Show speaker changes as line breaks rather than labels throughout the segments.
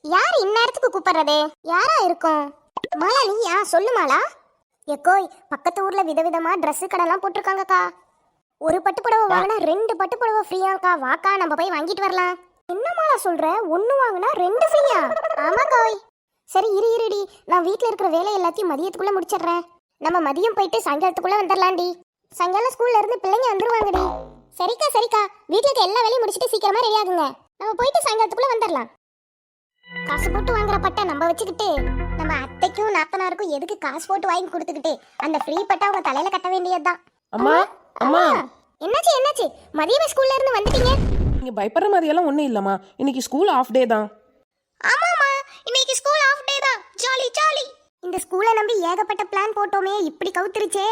யார் இந்நேரத்துக்கு கூப்பிடுறது? யாரா இருக்கும்? மாலா நீயா? சொல்லு மாலா. எக்கோய், பக்கத்து ஊர்ல விதவிதமா ட்ரெஸ் கடைலாம் போட்டிருக்காங்கக்கா. ஒரு பட்டு புடவை வாங்கினா 2 பட்டு புடவை ஃப்ரீயாக்கா. வாக்கா நம்ம போய் வாங்கிட்டு வரலாம். என்ன மாலா சொல்ற? 1 வாங்கினா 2 ஃப்ரீயா? ஆமா கோய். சரி இருடி, நான் வீட்ல இருக்கிற வேலை எல்லாத்தையும் மதியத்துக்குள்ள முடிச்சிடுறேன். நம்ம மதியம் போயிட்டு சாயங்காலத்துக்குள்ள வந்துடலாம்டி. சாயங்காலம் ஸ்கூல்ல இருந்து பிள்ளைங்க வந்துருவாங்கடி. சரிக்கா, வீட்ல இருக்க எல்லா வேலையும் முடிச்சிட்டு சீக்கிரமா ரெடி ஆகுங்க. நம்ம போயிட்டு சாயங்காலத்துக்குள்ள வந்துடலாம். காசு போட்டு வாங்குற பட்டை நம்ம வச்சுக்கிட்டு நம்ம அத்தைக்கும் நாத்தனாருக்கும் எதுக்கு காசு போட்டு வாங்கி கொடுத்துக்கிட்டு அந்த ஃப்ரீ பட்டை அவங்க தலையில கட்ட வேண்டியதுதான்.
அம்மா அம்மா,
என்னாச்சு? மதியமே ஸ்கூல்ல இருந்து வந்துட்டீங்க?
நீங்க பயப்படுற மாதிரி எல்லாம் ஒண்ணும் இல்லம்மா. இன்னைக்கு ஸ்கூல் ஆஃப் டே தான்.
ஆமாமா, இன்னைக்கு ஸ்கூல் ஆஃப் டே தான். ஜாலி. இந்த ஸ்கூலை நம்பி ஏகப்பட்ட பிளான் போட்டோமே, இப்படி கவுத்துருச்சே.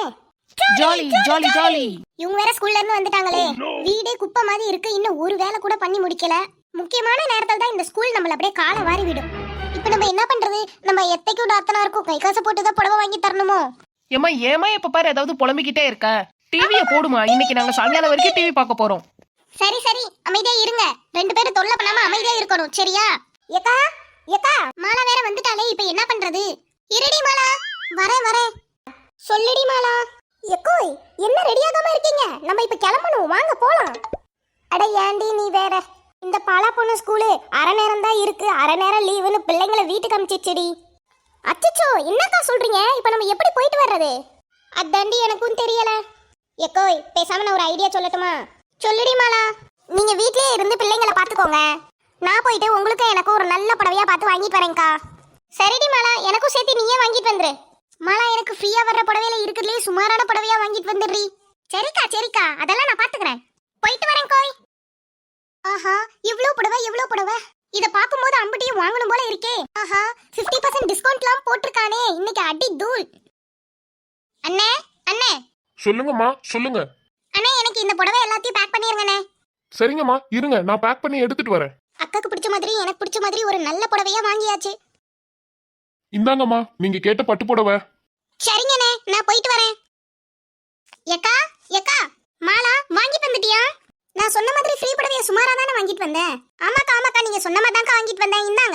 ஜாலி.
இவங்க வேற ஸ்கூல்ல இருந்து வந்துட்டாங்களே. வீடே குப்பை மாதிரி இருக்கு. இன்னும் ஒரு வேலை கூட பண்ணி முடிக்கல. முக்கியமான நேரத்துல தான் இந்த ஸ்கூல் நம்மள அப்படியே காலை வாரி விடும். இப்போ நம்ம என்ன பண்றது? நம்ம எத்தைக்கும் நாத்தனாருக்கும் கை காசை போட்டு தான் புடவை வாங்கி தரணுமோ?
ஏமா எப்ப பாரு ஏதாவது புலம்பிக்கிட்டே இருக்க. டிவியை போடுமா, இன்னைக்கு நாங்க சாயங்காலம் வரைக்கும் டிவி பார்க்க போறோம்.
சரி அமைதியா இருங்க. 2 பேரும் தொல்லை பண்ணாம அமைதியா இருக்கணும், சரியா? ஏக்கா மாலா வேற வந்துட்டாலே, இப்போ என்ன பண்றது? இருடி மாலா, வரேன். சொல்லுடி மாலா. எக்கோய், என்ன ரெடியாகாம இருக்கீங்க? நம்ம இப்ப கிளம்பணும், வாங்க போலாம். அட ஏண்டி நீ வேற. இந்த பாலா பொண்ணு ஸ்கூலு அரை நேரம் தான் இருக்கு, அரை நேரம் லீவுன்னு பிள்ளைங்களை வீட்டுக்கு அனுப்பிச்சிடுடி. அச்சச்சோ, என்னக்கா சொல்றீங்க? இப்ப நம்ம எப்படி போயிட்டு வர்றது? அதாண்டி எனக்கும் தெரியல. எக்கோய், பேசாம நான் ஒரு ஐடியா சொல்லட்டுமா? சொல்லுடி மாலா. நீங்க வீட்லயே இருந்து பிள்ளைங்களை பாத்துக்கோங்க. நான் போயிட்டு உங்களுக்கு எனக்கு ஒரு நல்ல புடவையா பார்த்து வாங்கிட்டு வரேன்க்கா. சரிடி மாலா, எனக்கும் சேர்த்து நீயே வாங்கிட்டு வந்துரு. மாலா, எனக்கு ஃப்ரீயா வர்ற புடவையில இருக்கிறதுலே சுமாரான புடவையா வாங்கிட்டு வந்துடுறீ. சரிக்கா, அதெல்லாம் நான் பாத்துக்கிறேன். போயிட்டு வரேன் கோய். ஆஹா, இவ்ளோ புடவை. இத பாக்கும்போது அம்பட்டியும் வாங்கணும் போல இருக்கே. ஆஹா, 50% டிஸ்கவுண்ட்லாம் போட்டுருக்கானே. இன்னைக்கு அடி தூள். அண்ணே.
சொல்லுங்கம்மா, சொல்லுங்க.
அண்ணே, எனக்கு இந்த புடவை எல்லாத்தையும் பேக் பண்ணிருங்கண்ணே.
சரிங்கம்மா, இருங்க, நான் பேக் பண்ணி எடுத்துட்டு வரேன்.
அக்காக்கு பிடிச்ச மாதிரி எனக்கு பிடிச்ச மாதிரி ஒரு நல்ல புடவையா வாங்கியாச்சு.
இந்தாங்கம்மா, நீங்க கேட்ட பட்டு புடவை.
சரிங்கண்ணே, நான் போயிட்டு வரேன். ஏக்கா மாலா வாங்கிட்டு வந்துட்டியா? நான் சொன்ன மாதிரி ஃப்ரீ புடவைய சுமாரா தானே வாங்கிட்டு வந்தேன். ஆமாக்கா, நீங்க சொன்ன மாதிரி தான் வாங்கிட்டு வந்தேன். இந்தாங்க.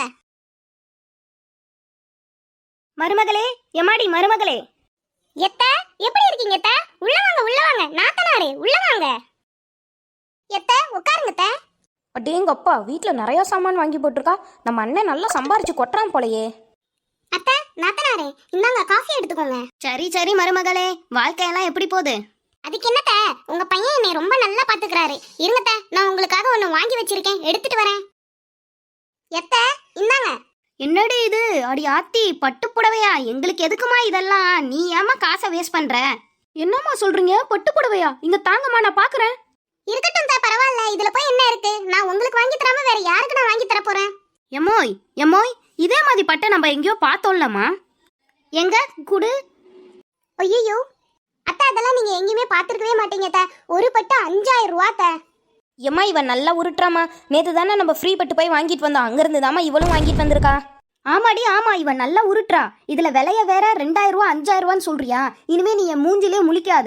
மருமகளே, எம்மாடி மருமகளே. எப்படி இருக்கீங்க எத்த? உள்ள வாங்க. நாத்தனாரே, உள்ள வாங்க. உட்காருங்க.
அடேங்கப்பா, வீட்ல நிறைய சாமான் வாங்கி போட்டிருக்கா. நம்ம அண்ணன் நல்லா சம்பாரிச்சு கொட்டுறான் போலயே.
அத்தை, நாத்தனாரே, இந்தாங்க காஃபி எடுத்துக்கோங்க.
சரி மருமகளே, வாழ்க்கையெல்லாம் எப்படி போகுது?
அதுக்கு என்னத்த, உங்க பையன் என்னை ரொம்ப நல்லா பாத்துக்கிறாரு. இருங்கத்த, நான் உங்களுக்காக ஒண்ணு வாங்கி வச்சிருக்கேன், எடுத்துட்டு வரேன். இந்தாங்க.
என்னடி இது? அடி ஆத்தி, பட்டு புடவையா? எங்களுக்கு எதுக்குமா இதெல்லாம்? நீ ஏமா காசை வேஸ்ட் பண்ற?
என்னம்மா சொல்றீங்க? பட்டு புடவையா? இங்க தாங்கம்மா, நான் பாக்குறேன்.
இருக்கட்டும் தா, பரவாயில்ல. இதுல போய் என்ன இருக்கு? நான் உங்களுக்கு வாங்கி தராம வேற யாருக்கு நான் வாங்கி தர போறேன்?
எம்மோய், இதே மாதிரி பட்டை நம்ம எங்கேயோ பார்த்தோம்லம்மா.
எங்க குடு? ஐயோ அத்தை, அதெல்லாம் நீங்க எங்கேயுமே பாத்துருக்கவே மாட்டீங்க அத்தை. ஒரு பட்டு 5000 ரூபா.
ஏம்மா, இவன் நல்லா உருட்டுறாமா. நேத்து தானே நம்ம ஃப்ரீ பட்டு போய் வாங்கிட்டு வந்தோம், அங்க இருந்து தாமா இவளும் வாங்கிட்டு வந்திருக்கா.
ஆமா, இவன் நல்லா உருட்டுறா. இதுல விலைய வேற 2000 ரூபா 5000 ரூபான்னு சொல்றியா? இனிமே நீ என் மூஞ்சிலே முழிக்காத.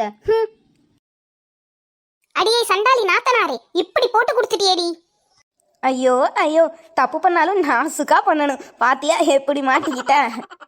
அடியே சண்டாளி நாத்தனாரே, இப்படி போட்டு கொடுத்துட்டியேடி.
ஐயோ, தப்பு பண்ணாலும் நாசுக்கா பண்ணணும். பாத்தியா எப்படி மாட்டிக்கிட்ட?